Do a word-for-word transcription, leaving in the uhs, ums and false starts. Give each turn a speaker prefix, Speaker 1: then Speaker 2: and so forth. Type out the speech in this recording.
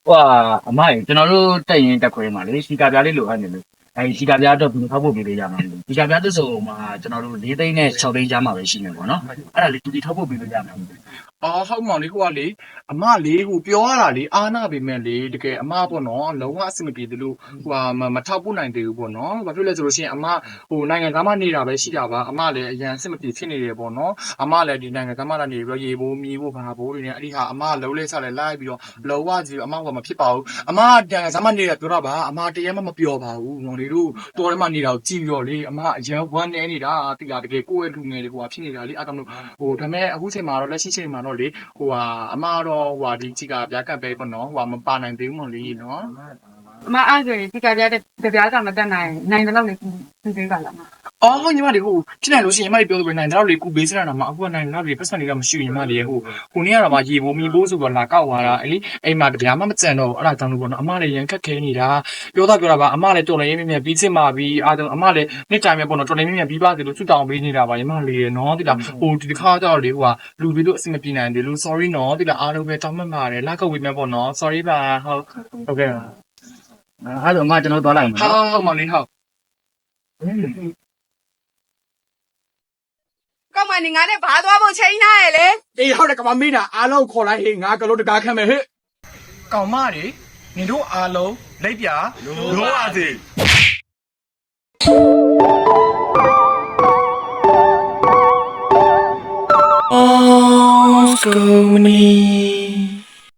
Speaker 1: ဟိုအမကြီးကျွန်တော်တို့တက်ရင်တက်ခွဲမှာလေစီကာပြားလေးလိုအပ်နေလို့အဲဒီစီကာပြားတော့ဘယ်လိုထောက်ဖို့ပေးလို့ရမှာလဲစီကာပြားတစ်စုံမှာကျွန်တော်တို့၄သိန်းနဲ့၆သိန်းကြားမှာပဲရှိနေပေါ့နော်အဲ့ဒါလေးဒီထောက်ဖို့ပေးလို့ရမှာ
Speaker 2: အော်ဟုတ်မောင်လေးဟိုကလေအမလေးဟိုပြောရတာလေအားနာပေမဲ့လေတကယ်အမပေါ့နော်လုံးဝအဆင်မပြေသလိုဟိုဟာမထောက်ပို့နိုင်သေးဘူးပေါ့နော်ဘာဖြစ်လဲဆိုလို့ရှိရင်အမဟိုနိုင်ငံသားမနေတာပဲရှိတာပါအမလည်းအရန်အဆင်မပြေဖြစ်နေတယ်ပေါ့နော်အမလည်းဒီနိုင်ငံသားမလာနေပြီးတော့ရေဘိုးမီးဘိုးဘာဘိုးတွေနဲ့အဲ့ဒီဟာအမလုံးလေးဆက်လဲလိုက်ပြီးတော့လုံးဝကြီးအမကမဖြစ်ပါဘူးအမနိုင်ငံသားမနေတာပြောတာပါအမတရမ်းမမပြောပါဘူးမောင်လေးတို့တော်ထဲမှာနေတာကိုကြည့်ပြီးတော့လေအမအရန်ဝမ်းနေနေတာတိလာတကယ်ကိုယ့်ရဲ့လူငယ်တွေဟိုဟာဖြစ်နေတာလေအဲ့ဒါမျိုးဟိုဒါပေမဲ့အခုချိန်မှာတော့လက်ရှိချိန်မှာတော့လေဟိုဟာအမတော့ဟိုဟာဒီချီကပြားကပ်ပဲပေါ့နော်ဟိုဟာမပါနိုင်သေးဘူးမလို့လေနော်
Speaker 3: အမအားဆိုရင်ဒီကပြားတဲ့ကြပြားကမတက်နိုင်နိုင်တယ်လို့လေသူသေးပါလားမ
Speaker 2: အော်ဟိုညီမလေးဟိုဖြစ်နိုင်လို့ရှိရင်ညီမလေးပြောလို့ပဲနိုင်တော့လေကူဘေးစရတာမှာအခုကနိုင်တော့လေပတ်စံတွေကမရှိဘူးညီမလေးဟိုကိုနေ့ကတော့မှရေဘိုးမီဘိုးဆိုတော့လာကောက်သွားတာအဲ့လေအိမ်မှာကြပြားမှမကြံတော့အဲ့ဒါကြောင့်လို့ပေါ့နော်အမလည်းရန်ခက်ခဲနေတာပြောတာပြောတာပါအမလည်းတော်လည်းရင်းမြမြပြီးချင်းပါပြီးအားတော့အမလည်းနှစ်တိုင်ပဲပေါ့နော်တော်လည်းမြမြပြီးပါစေလို့ချွတ်တောင်းပေးနေတာပါညီမလေးရနော်တိလာဟိုဒီတစ်ခါကျတော့လေဟိုဟာလူပြီးလို့အဆင်မပြေနိုင်တယ်လို့ sorry နော်တိလာအားလုံးပဲတောင်းမှတ်ပါတယ်လာကောက်ဝေးမယ်ပေါ့နော် sorry ပါဟုတ်ဟုတ်ကဲ့
Speaker 1: အဲ့တော့အမကျွန်တော်သွားလိုက်မှာ
Speaker 2: ဟုတ်ဟုတ်မောင်လေးဟုတ်
Speaker 3: ကောက်မနေငါနဲ့ဘာသွားဖို့ချိန်ထားရလေ
Speaker 2: အေးဟုတ်တယ်ကမမေးတာအားလုံးခေါ်လိုက်ဟေးငါကလို့တကားခမ်းမယ်ဟဲ့ကောင်မတွေနင်တို့အားလုံးလက်ပြလိုပါစေအော်စကူမနီ